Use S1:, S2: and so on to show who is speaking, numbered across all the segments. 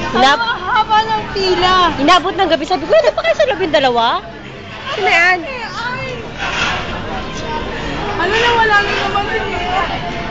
S1: Haba ng pila.
S2: Inabot ng gabi. Sabi ko, ano pa kayo sa loob yung dalawa? Sino yan?
S1: Ano na, wala na naman siya.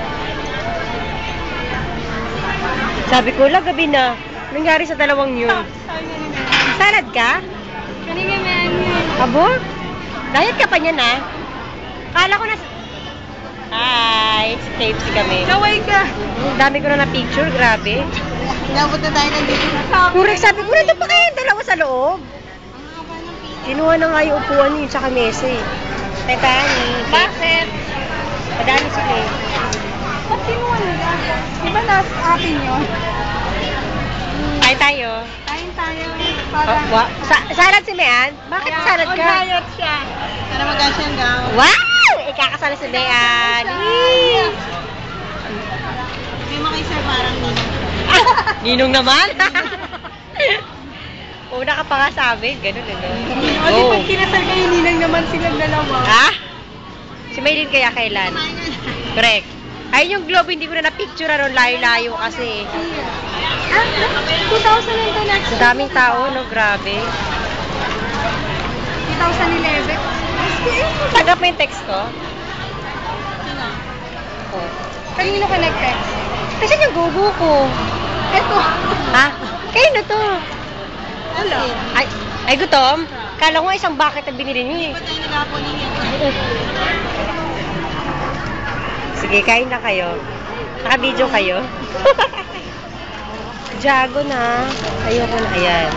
S2: Sabi ko, gabi na. Nangyari sa dalawang yun. Salad ka?
S1: Kanina man yun.
S2: Abo? Diet ka pa niyan, ah. Kala ko na... Hi! KFC kami.
S1: Kaway ka.
S2: Dami ko na na-picture, grabe.
S1: Inabot na tayo ng dito.
S2: Correct, sabi ko, nandun pa kayo dalawa sa loob. Kinuha na nga yung upuan niyo, tsaka mesa eh. Tetani.
S1: Bakit?
S2: Madami sila eh.
S1: Ba't kinuha nila? Diba nasa atin yun?
S2: Kain tayo.
S1: Kain tayo.
S2: Salad si Mean? Bakit salad ka?
S1: On-diet siya. Para mag-asyang gaw.
S2: Wow! Ikakasala si Mean.
S1: Hindi mo kay sir parang ninong.
S2: Ninong naman? Una ka pa nga sa amin, ganun eh.
S1: O, di pag kinasal kayo, ninang naman silang dalawa.
S2: Ha? Si Maylin kaya kailan? Correct. Ayun yung globe, hindi ko na na-picture ron, layo-layo kasi.
S1: 2002 next.
S2: Ang daming tao, no? Grabe.
S1: 2011.
S2: Tanggap mo yung text ko? Oh.
S1: Kanino ka nag-text?
S2: Kasi yung gugu ko.
S1: Eto.
S2: Ha? Kayo na to.
S1: Hello.
S2: Ay, gutom? Kala ko isang bucket na binili niyo eh.
S1: Ba't tayo nag-apo ninyo?
S2: Sige, kain na kayo. Naka-video kayo. Jago na. Ayoko na. Ayan.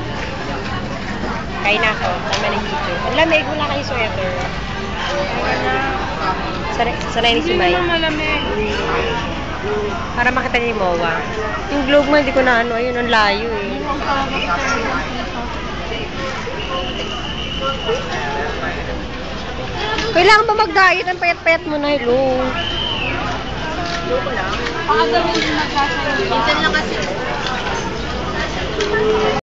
S2: Kain na ako. Tama na yung video. Ang lamig. Wala kayo sweater. Sanay ni si May.
S1: Hindi naman malamig.
S2: Para makita niyo yung MOA. Yung globe mo, hindi ko na ano. Ayun, ang layo eh. Kailangan ba mag-diet? Ang payat-payat mo na. Hello.
S1: Baka gawin yung nagsasabi. Minsan lang kasi.